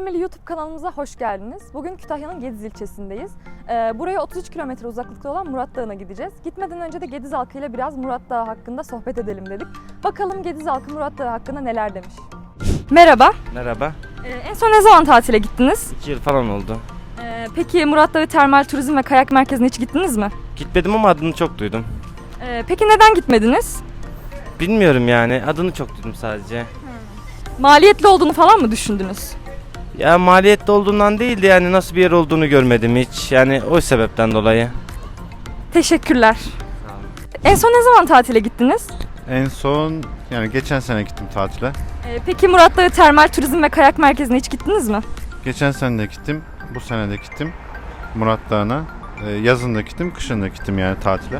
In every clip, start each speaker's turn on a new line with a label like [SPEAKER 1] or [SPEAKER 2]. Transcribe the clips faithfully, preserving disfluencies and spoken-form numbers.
[SPEAKER 1] Gidilmeli YouTube kanalımıza hoş geldiniz. Bugün Kütahya'nın Gediz ilçesindeyiz. Ee, buraya otuz üç kilometre uzaklıkta olan Murat Dağı'na gideceğiz. Gitmeden önce de Gediz halkıyla biraz Murat Dağı hakkında sohbet edelim dedik. Bakalım Gediz halkı Murat Dağı hakkında neler demiş. Merhaba.
[SPEAKER 2] Merhaba.
[SPEAKER 1] Ee, en son ne zaman tatile gittiniz?
[SPEAKER 2] İki yıl falan oldu.
[SPEAKER 1] Ee, peki Murat Dağı Termal Turizm ve Kayak Merkezi'ne hiç gittiniz mi?
[SPEAKER 2] Gitmedim ama adını çok duydum.
[SPEAKER 1] Ee, peki neden gitmediniz?
[SPEAKER 2] Bilmiyorum yani, adını çok duydum sadece.
[SPEAKER 1] Maliyetli olduğunu falan mı düşündünüz?
[SPEAKER 2] Ya maliyetli olduğundan değil de yani nasıl bir yer olduğunu görmedim hiç. Yani o sebepten dolayı.
[SPEAKER 1] Teşekkürler. En son ne zaman tatile gittiniz?
[SPEAKER 3] En son yani geçen sene gittim tatile.
[SPEAKER 1] Ee, peki Murat Dağı Termal Turizm ve Kayak Merkezi'ne hiç gittiniz mi?
[SPEAKER 3] Geçen sene de gittim, bu sene de gittim Murat Dağı'na. Ee, yazın da gittim, kışın da gittim yani tatile.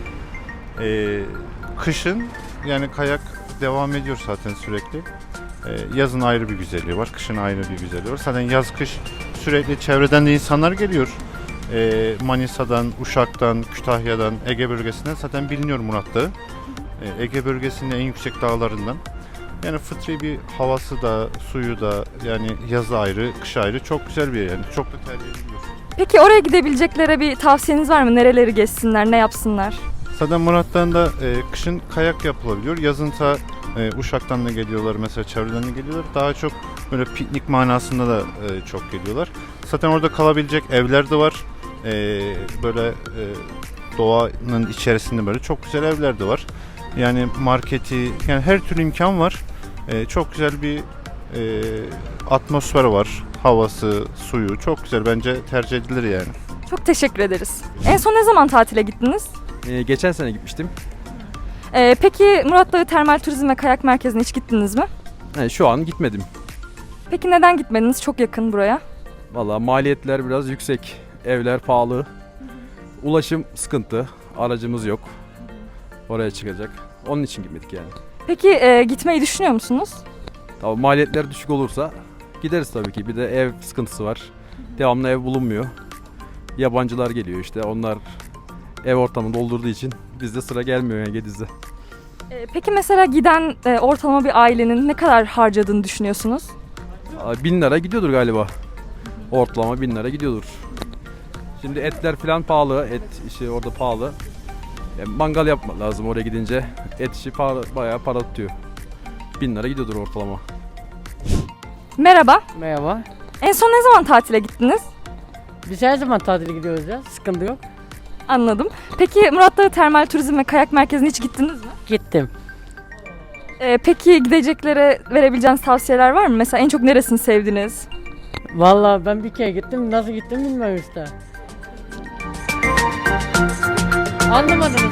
[SPEAKER 3] Ee, kışın yani kayak devam ediyor zaten sürekli. Ee, yazın ayrı bir güzelliği var, kışın ayrı bir güzelliği var. Zaten yaz kış sürekli çevreden de insanlar geliyor. Ee, Manisa'dan, Uşak'tan, Kütahya'dan, Ege bölgesinden zaten biliniyor Murat Dağı. Ee, Ege bölgesinin en yüksek dağlarından. Yani fıtri bir havası da, suyu da yani yazı ayrı, kış ayrı çok güzel bir yer yani. Çok da tercih ediliyor.
[SPEAKER 1] Peki oraya gidebilecekleri bir tavsiyeniz var mı? Nereleri gezsinler, ne yapsınlar?
[SPEAKER 3] Zaten Murat Dağı'nda e, kışın kayak yapılabiliyor. Yazınsa e, Uşak'tan da geliyorlar mesela, çevreden de geliyorlar. Daha çok böyle piknik manasında da e, çok geliyorlar. Zaten orada kalabilecek evler de var. E, böyle e, doğanın içerisinde böyle çok güzel evler de var. Yani marketi, yani her türlü imkan var. Ee, çok güzel bir e, atmosfer var. Havası, suyu çok güzel. Bence tercih edilir yani.
[SPEAKER 1] Çok teşekkür ederiz. En son ne zaman tatile gittiniz?
[SPEAKER 4] Ee, geçen sene gitmiştim.
[SPEAKER 1] Ee, peki Murat Dağı Termal Turizm ve Kayak Merkezi'ne hiç gittiniz mi?
[SPEAKER 4] Yani şu an gitmedim.
[SPEAKER 1] Peki neden gitmediniz? Çok yakın buraya.
[SPEAKER 4] Vallahi maliyetler biraz yüksek. Evler pahalı. Ulaşım sıkıntı. Aracımız yok. Oraya çıkacak. Onun için gitmedik yani.
[SPEAKER 1] Peki e, gitmeyi düşünüyor musunuz?
[SPEAKER 4] Tabii maliyetler düşük olursa gideriz tabii ki. Bir de ev sıkıntısı var. Devamlı ev bulunmuyor. Yabancılar geliyor işte. Onlar ev ortamını doldurduğu için bizde sıra gelmiyor yani Gediz'de.
[SPEAKER 1] Ee, peki mesela giden e, ortalama bir ailenin ne kadar harcadığını düşünüyorsunuz?
[SPEAKER 4] Aa, Bin lira gidiyordur galiba. Ortalama bin lira gidiyordur. Şimdi etler falan pahalı. Et işi orada pahalı. Yani mangal yapmak lazım oraya gidince. Et işi para, bayağı para tutuyor. Bin lira gidiyordur ortalama.
[SPEAKER 1] Merhaba.
[SPEAKER 5] Merhaba.
[SPEAKER 1] En son ne zaman tatile gittiniz?
[SPEAKER 5] Biz her zaman tatile gidiyoruz ya. Sıkıntı yok.
[SPEAKER 1] Anladım. Peki Murat Dağı Termal Turizm ve Kayak Merkezi'ne hiç gittiniz mi?
[SPEAKER 5] Gittim.
[SPEAKER 1] Ee, peki gideceklere verebileceğiniz tavsiyeler var mı? Mesela en çok neresini sevdiniz?
[SPEAKER 5] Vallahi ben bir kere gittim. Nasıl gittim bilmiyorum işte. Anlamadınız.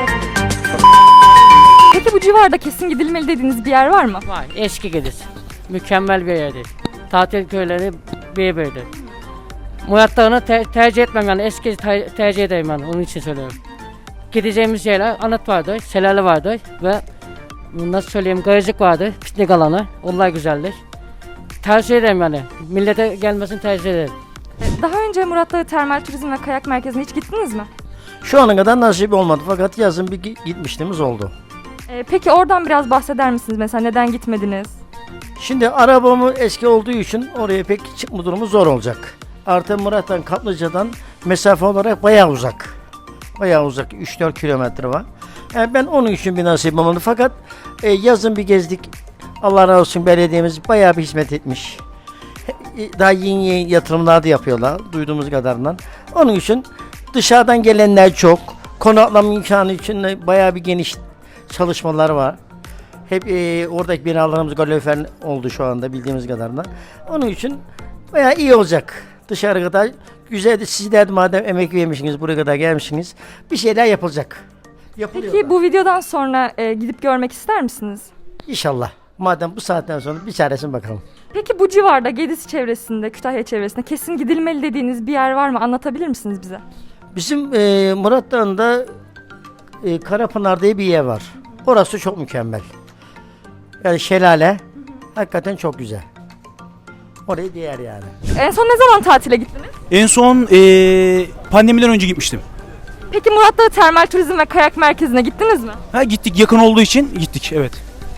[SPEAKER 1] Peki bu civarda kesin gidilmeli dediğiniz bir yer var mı?
[SPEAKER 5] Var. Eski Gediz. Mükemmel bir yerdi. Tatil köyleri bir böyle. Murat Dağı'nı ter- tercih etmem yani. Eski ter- tercih ederim yani. Onun için söylüyorum. Gideceğimiz yerler anıt vardı, şelale vardı ve nasıl söyleyeyim garajlık vardı, piknik alanı. Onlar güzeldir. Tercih ederim yani. Millete gelmesini tercih ederim.
[SPEAKER 1] Daha önce Murat Dağı Termal Turizm ve Kayak Merkezi'ne hiç gittiniz mi?
[SPEAKER 6] Şu ana kadar nasip olmadı fakat yazın bir gi- gitmişliğimiz oldu.
[SPEAKER 1] Ee, peki oradan biraz bahseder misiniz? Mesela neden gitmediniz?
[SPEAKER 6] Şimdi arabamı eski olduğu için oraya pek çıkma durumu zor olacak. Artı Murat'tan Kaplıca'dan mesafe olarak bayağı uzak. Bayağı uzak, üç dört kilometre var. Yani ben onun için bir nasip olmadı fakat e, yazın bir gezdik. Allah razı olsun belediyemiz bayağı bir hizmet etmiş. E, Daha yeni yeni yatırımlar da yapıyorlar duyduğumuz kadarıyla. Onun için dışarıdan gelenler çok. Konaklama imkanı için de bayağı bir geniş çalışmalar var. Hep e, oradaki binalarımız kalorifer oldu şu anda bildiğimiz kadarıyla. Onun için bayağı iyi olacak. Dışarı kadar güzeldi. Sizler de madem emek vermişsiniz, buraya kadar gelmişsiniz. Bir şeyler yapılacak. Yapılıyor
[SPEAKER 1] Peki
[SPEAKER 6] da.
[SPEAKER 1] bu videodan sonra e, gidip görmek ister misiniz?
[SPEAKER 6] İnşallah. Madem bu saatten sonra bir çaresine bakalım.
[SPEAKER 1] Peki bu civarda Gediz çevresinde, Kütahya çevresinde kesin gidilmeli dediğiniz bir yer var mı? Anlatabilir misiniz bize?
[SPEAKER 6] Bizim e, Murat Dağı'nda e, Karapınar diye bir yer var. Orası çok mükemmel. Yani şelale hakikaten çok güzel. Oraya değer yani.
[SPEAKER 1] En son ne zaman tatile gittiniz?
[SPEAKER 7] En son eee pandemiden önce gitmiştim.
[SPEAKER 1] Peki Murat Dağı Termal Turizm ve Kayak Merkezi'ne gittiniz mi?
[SPEAKER 7] Ha gittik, yakın olduğu için gittik, evet.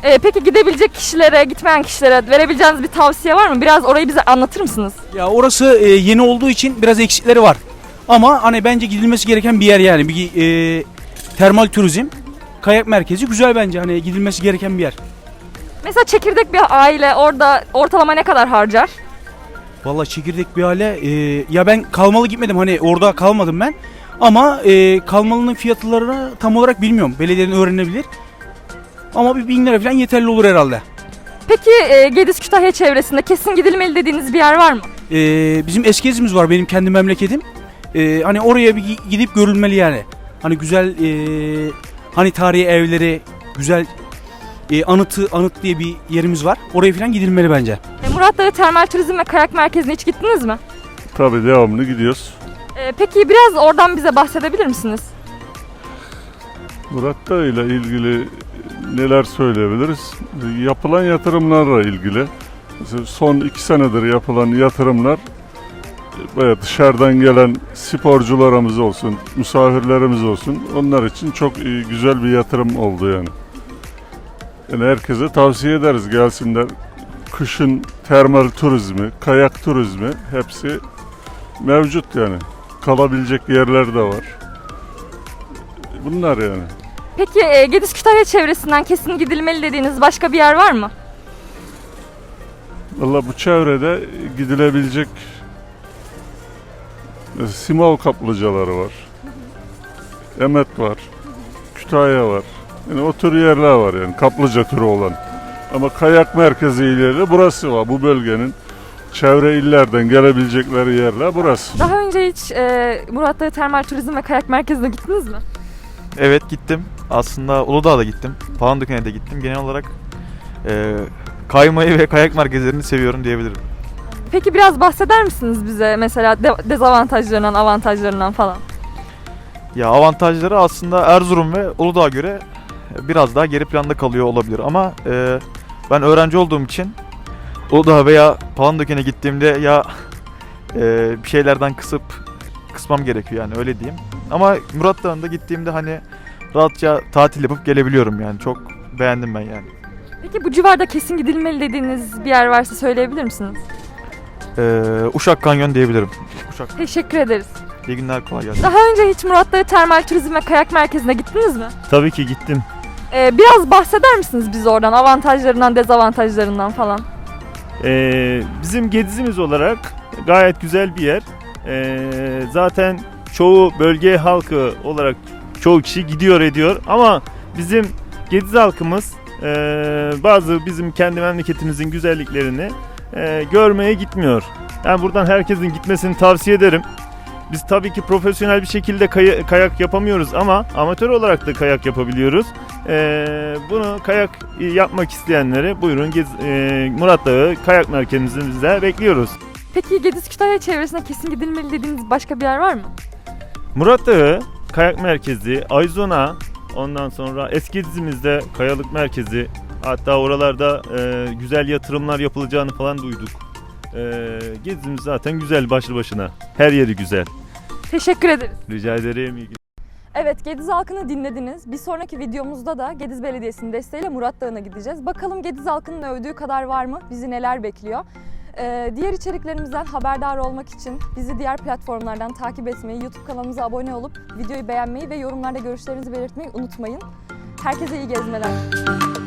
[SPEAKER 1] Ee, peki gidebilecek kişilere, gitmeyen kişilere verebileceğiniz bir tavsiye var mı? Biraz orayı bize anlatır mısınız?
[SPEAKER 7] Ya orası e, yeni olduğu için biraz eksikleri var. Ama hani bence gidilmesi gereken bir yer yani. Bir e, termal turizm, kayak merkezi güzel bence. Hani gidilmesi gereken bir yer.
[SPEAKER 1] Mesela çekirdek bir aile orada ortalama ne kadar harcar?
[SPEAKER 7] Vallahi çekirdek bir hale. e, ya ben kalmalı gitmedim. Hani orada kalmadım ben. Ama e, kalmalının fiyatlarını tam olarak bilmiyorum. Belediyenin öğrenebilir. Ama bir bin lira falan yeterli olur herhalde.
[SPEAKER 1] Peki e, Gediz Kütahya çevresinde kesin gidilmeli dediğiniz bir yer var mı?
[SPEAKER 7] E, bizim eski ezimiz var benim kendi memleketim. E, hani oraya bir gi- gidip görülmeli yani. Hani güzel e, hani tarihi evleri, güzel e, anıtı anıt diye bir yerimiz var. Oraya falan gidilmeli bence.
[SPEAKER 1] E, Murat Dağı Termal Turizm ve Kayak Merkezi'ne hiç gittiniz mi?
[SPEAKER 8] Tabii devamlı gidiyoruz.
[SPEAKER 1] E, peki biraz oradan bize bahsedebilir misiniz?
[SPEAKER 8] Murat Dağı ile ilgili neler söyleyebiliriz? Yapılan yatırımlarla ilgili. Mesela son iki senedir yapılan yatırımlar bayağı dışarıdan gelen sporcularımız olsun, misafirlerimiz olsun onlar için çok iyi, güzel bir yatırım oldu yani. Yani herkese tavsiye ederiz gelsinler. Kışın termal turizmi, kayak turizmi hepsi mevcut yani. Kalabilecek yerler de var. Bunlar yani.
[SPEAKER 1] Peki e, Gediz Kütahya çevresinden kesin gidilmeli dediğiniz başka bir yer var mı?
[SPEAKER 8] Valla bu çevrede gidilebilecek e, Simavur kaplıcaları var. Emet var. Kütahya var. Yani o tür yerler var yani kaplıca türü olan. Ama kayak merkezi ileri burası var. Bu bölgenin çevre illerden gelebilecekleri yerler burası.
[SPEAKER 1] Daha önce hiç e, Murat Dağı Termal Turizm ve Kayak Merkezi'ne gittiniz mi?
[SPEAKER 9] Evet gittim. Aslında Uludağ'a da gittim. Palandöken'e de gittim. Genel olarak e, kaymayı ve kayak merkezlerini seviyorum diyebilirim.
[SPEAKER 1] Peki biraz bahseder misiniz bize mesela de- dezavantajlarından, avantajlarından falan?
[SPEAKER 9] Ya avantajları aslında Erzurum ve Uludağ'a göre biraz daha geri planda kalıyor olabilir. Ama e, ben öğrenci olduğum için Uludağ veya Palandöken'e gittiğimde ya e, bir şeylerden kısıp kısmam gerekiyor yani öyle diyeyim. Ama Murat Dağı'nda gittiğimde hani rahatça tatil yapıp gelebiliyorum yani. Çok beğendim ben yani.
[SPEAKER 1] Peki bu civarda kesin gidilmeli dediğiniz bir yer varsa söyleyebilir misiniz?
[SPEAKER 9] Ee, Uşak Kanyon diyebilirim. Uşak.
[SPEAKER 1] Teşekkür ederiz.
[SPEAKER 9] İyi günler, kolay gelsin.
[SPEAKER 1] Daha önce hiç Murat Dağı Termal Turizm ve Kayak Merkezi'ne gittiniz mi?
[SPEAKER 10] Tabii ki gittim.
[SPEAKER 1] Ee, biraz bahseder misiniz bize oradan, avantajlarından, dezavantajlarından falan?
[SPEAKER 10] Ee, bizim Gedizimiz olarak gayet güzel bir yer. Ee, zaten çoğu bölge halkı olarak çoğu kişi gidiyor ediyor ama bizim Gediz halkımız e, bazı bizim kendi memleketimizin güzelliklerini e, görmeye gitmiyor. Yani buradan herkesin gitmesini tavsiye ederim. Biz tabii ki profesyonel bir şekilde kay- kayak yapamıyoruz ama amatör olarak da kayak yapabiliyoruz. Ee, bunu kayak yapmak isteyenleri buyurun Gez- e, Murat Dağı Kayak Merkezimizde bekliyoruz.
[SPEAKER 1] Peki Gediz Kütahya çevresine kesin gidilmeli dediğiniz başka bir yer var mı?
[SPEAKER 10] Murat Dağı Kayak Merkezi, Ayzona, ondan sonra eski dizimizde Kayalık Merkezi, hatta oralarda e, güzel yatırımlar yapılacağını falan duyduk. E, gezimiz zaten güzel başlı başına. Her yeri güzel.
[SPEAKER 1] Teşekkür ederiz.
[SPEAKER 10] Rica ederim. İyi
[SPEAKER 1] Evet, Gediz halkını dinlediniz. Bir sonraki videomuzda da Gediz Belediyesi'nin desteğiyle Murat Dağı'na gideceğiz. Bakalım Gediz halkının övdüğü kadar var mı? Bizi neler bekliyor? Ee, diğer içeriklerimizden haberdar olmak için bizi diğer platformlardan takip etmeyi, YouTube kanalımıza abone olup videoyu beğenmeyi ve yorumlarda görüşlerinizi belirtmeyi unutmayın. Herkese iyi gezmeler.